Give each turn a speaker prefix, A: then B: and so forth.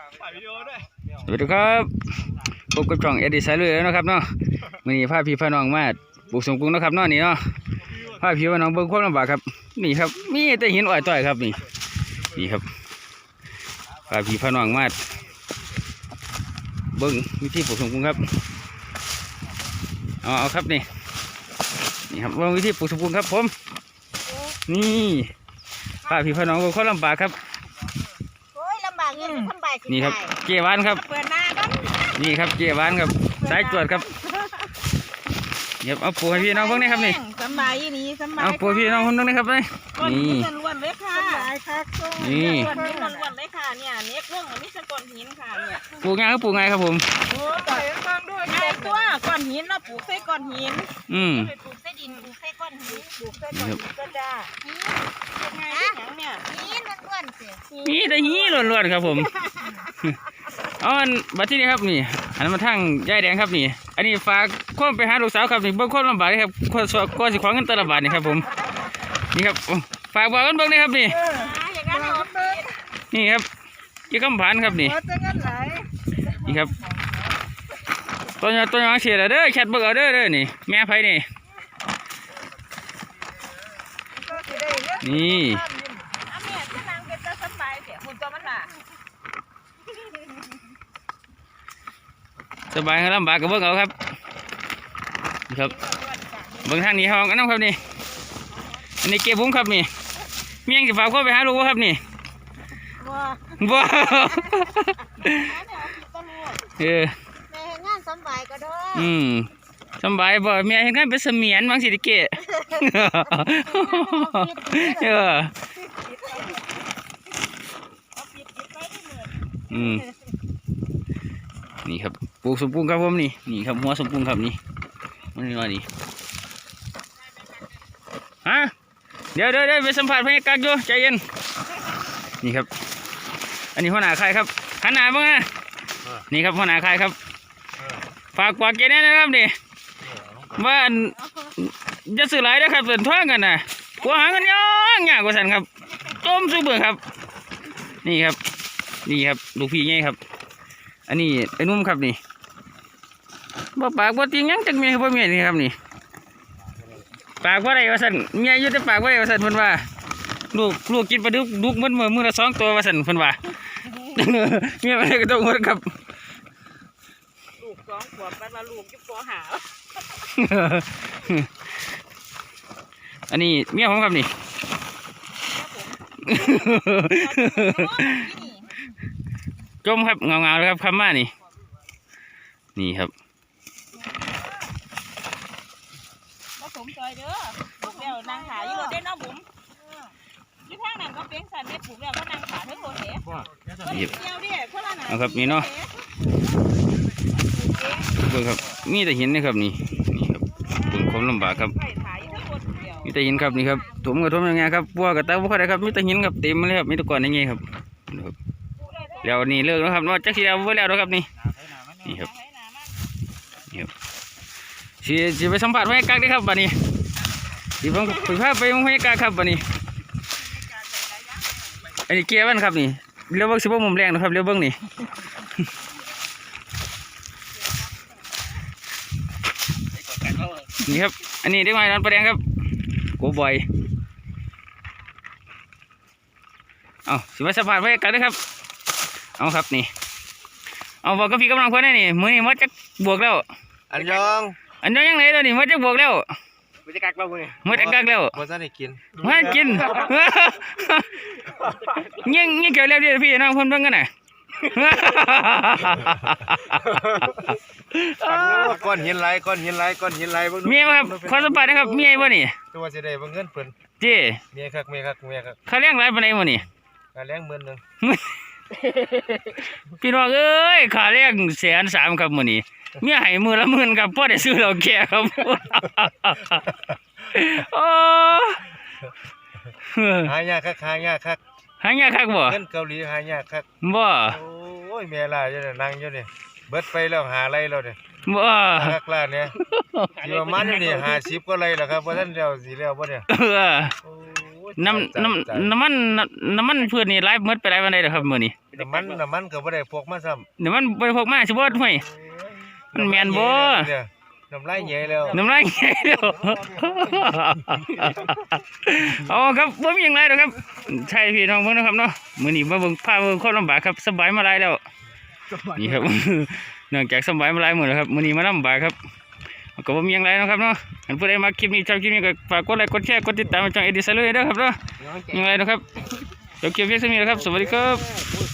A: สวัสดีครับพบกับช่องเอ็ดดี้สายลุยแล้วนะครับเนาะวันนี้พาพี่พาน้องมาปลูกสมกรุงนะครับเนาะนี่เนาะพาพี่พาน้องเบิ่งความลำบากครับนี่ครับมีแต่หินอ่อยต่อยครับนี่ครับพาพี่พาน้องมาเบิ่งวิธีปลูกสมกรุงครับเอาครับนี่ครับว่าวิธีปลูกสมกรุงครับผมนี่พาพี่พาน้องเบิ่งความลำบากครับนี่ครับเกวานครับนี่ครับเกวานครับสายจวดครับเดี๋ยวเอาปูให้พี่น้องเพิ่งนี่ครับนี่
B: สบายนี่สบาย
A: เอาปูพี่น้องคนนึงนี่ครับนี่
B: นี่ล้วนเลยค่ะนี่ล้วนเลยค่ะเนี่ยเน็กเรื่องมันมีสะก้อนหินค่ะเนี่ย
A: ปูง่ายก็ปูง่ายครับผม
B: โอ้ต่อยฟังด้วยง่ายตัวก้อนหินเราปลูกใส่ก้อนหินปลูกใส่ดินปลูกใส่ก้อนหินปลูกใส่ก้อนหินก็ได้ง่ายที่อย่างเนี่ยหินล้วนสิ
A: นี่แต่หินล้วนๆครับผมอ๋อบัดที่นี่ครับนี่อันนั้นมาทั้งยายแดงครับนี่อันนี้ฝากข้อมไปหาลูกสาวครับนี่เบิ่งคนลำบากครับก็สิขวางเงินตลบาทนี่ครับผมนี่ครับฝากบอกกันเบิ่งนี่ครับนี่นี่ครับยี่กำผ่านครับนี่นี่ครับต้นยางเสียแล้วเด้อแคทเบิกเอาเด้อนี่แม่ไผ่นี่นี่สบายครับลำบากกับเบิ้งเอาครับครับเบิ้งทางนี้ห้องกันน้องครับนี่อันนี้เก็บบุ้งครับนี่เมียงจะฝากเข้าไปหาลูกครับนี่ว้า
B: แม่งานสบายก็ได้
A: สบายบ่เมียเห็นงานเป็นเสมียนบางสิเกะนี่ครับปลูกสมปรุงครับผมนี่ครับหัวสมปรุงครับนี่มันนี่ว่านี่ฮะเดี๋ยวไปสัมผัสพญากักอยู่ใจเย็นนี่ครับอันนี้หัวหน้าใครครับหันหน้าบ้างนะนี่ครับหัวหน้าใครครับฝากกวาดเกณฑ์นะครับนี่ว่าจะสื่อหลายนะครับเดินทางกันนะกลัวหาเงินย่างยากกว่าสันครับต้มสู้เบื่อครับนี่ครับลูกพี่ไงครับอันนี้ไอ้นุ่มครับนี่บ่ปากบ่ติงยังจักเมียบ่เมียนี่ครับนี่ปากว่าไรวะสันเมียอยู่แต่ปากว่าไรวะสันเพิ่นว่าลูกกินปลาดุกมันมือละ2 ตัววะสันเพิ่นว่าเมียอะไรก็ต้องหมดครับ
B: ลูก2 ขวบแล้วลูกอยู่ป .5
A: อันนี้เมียผมครับนี่จมครับเงาเลยครับคำมานี่ครับ
B: ผสมซอยเด้อปลูกแล้วนางขาอยู่เด้น้องบุ๋มยี่ห้างนั้นก็เป้งสันได้ปลูกแล้วก็นางขาให้โคเอ๋ก็เดียวดิคนละหนา
A: เอาครับนี่เนาะเบิ่งครับมีแต่หินนะครับนี่ครับเบิ่งความลำบากครับมีแต่หินครับนี่ครับถมกับถมยังไงครับบัวกับตาบัวได้ครับมีแต่หินครับเต็มเลยครับมีแต่ก้อนอย่างเงี้ยครับแล้วนี่เลิกแล้วครับว่าจักสีดาวไว้แล้วนะครับนี่ครับสิไปสัมผัสบรรยากาศได้ครับบัดนี้สิผมคุยภาพไปบรรยากาศครับบัดนี้อันนี้เกียร์บ้านครับนี่เลี้ยวเบิ้งสิบมุมแรงนะครับเลี้ยวเบิ้งนี่นี่ครับอันนี้ได้มาดอนประแดงครับโกบอยเอาสิไปสัมผัสบรรยากาศได้ครับเอาครับนี่เอาบอกกับพี่กำลังคนนี่มือนี่มัดจะบวกแล้ว
C: อันยอง
A: ยังไงแล้วนี่มัดจะบวกแล้ว
C: มัดจะกักแล้วนี่
A: มัดจะกักแล้ว
C: มัดจะได้กิน
A: ยิ่งเกี่ยวแล้วพี่น้องคนเบิ่งกันน่ะ
C: ก้อนหินไหล
A: เมียครับขอสัมภาษณ์นะครับเมียบ่นี่
C: ตัวจะได้เงินเพิ่น
A: เจ้
C: เมียคัก
A: เขาเลี้ยงหลายปานใดบ่นี่
C: ค่าแรง10,000นึง
A: พี่น้องเอ้ยค่าแรง130,000ครับมื้อนี้เมียให้มื้อละ10,000ครับพอได้ซื้อเหล้าแก่ครับโอ้
C: หายากคัก
A: หายากคักบ่
C: เงินเกาหลีหายากคัก
A: บ่
C: โอ้ยแม่ล่ะอยู่นั่งอยู่นี่เบิดไปแล้วหาไรแล้วนี่
A: บ่
C: คักล่ะเนี่ยสิประมาณนี่50กว่าไรแล้วครับบ่ทันแล้วสิแล้วบ่เนี่ย
A: น้ำมันเพื่อนนี่ไลฟ์หมดไปหลายวันได้แล้วครับมื้อนี้
C: น้ำมันก็บ่ได้พกมาซ้ำ
A: เดี๋ยวมันบริโภคมาสิบ่ห่วยมันแมนบ่
C: เนี่ยน้ำลายใหญ่แล้ว
A: น้ำลายไงเด้ออ๋อครับบ่มีหยังไรหรอกครับใช่พี่น้องเพิ่นนะครับเนาะมื้อนี้มาเบิ่งพาเบิ่งคนลำบากครับสบายมาหลายแล้วนี่ครับ เนื่องจากสบายมาหลายมื้อแล้วครับมื้อนี้มาลำบากครับก็บ่มีหยังไรเนาะครับเนาะอันผู้ใดมาคลิปนี้ชอบคลิปนี้ก็ฝากกดไลค์กดแชร์กดติดตามช่องเอดิซันเลยเด้อครับเนาะยังไงนะครับจบคลิปเพียงเท่านี้นะครับสวัสดีครับ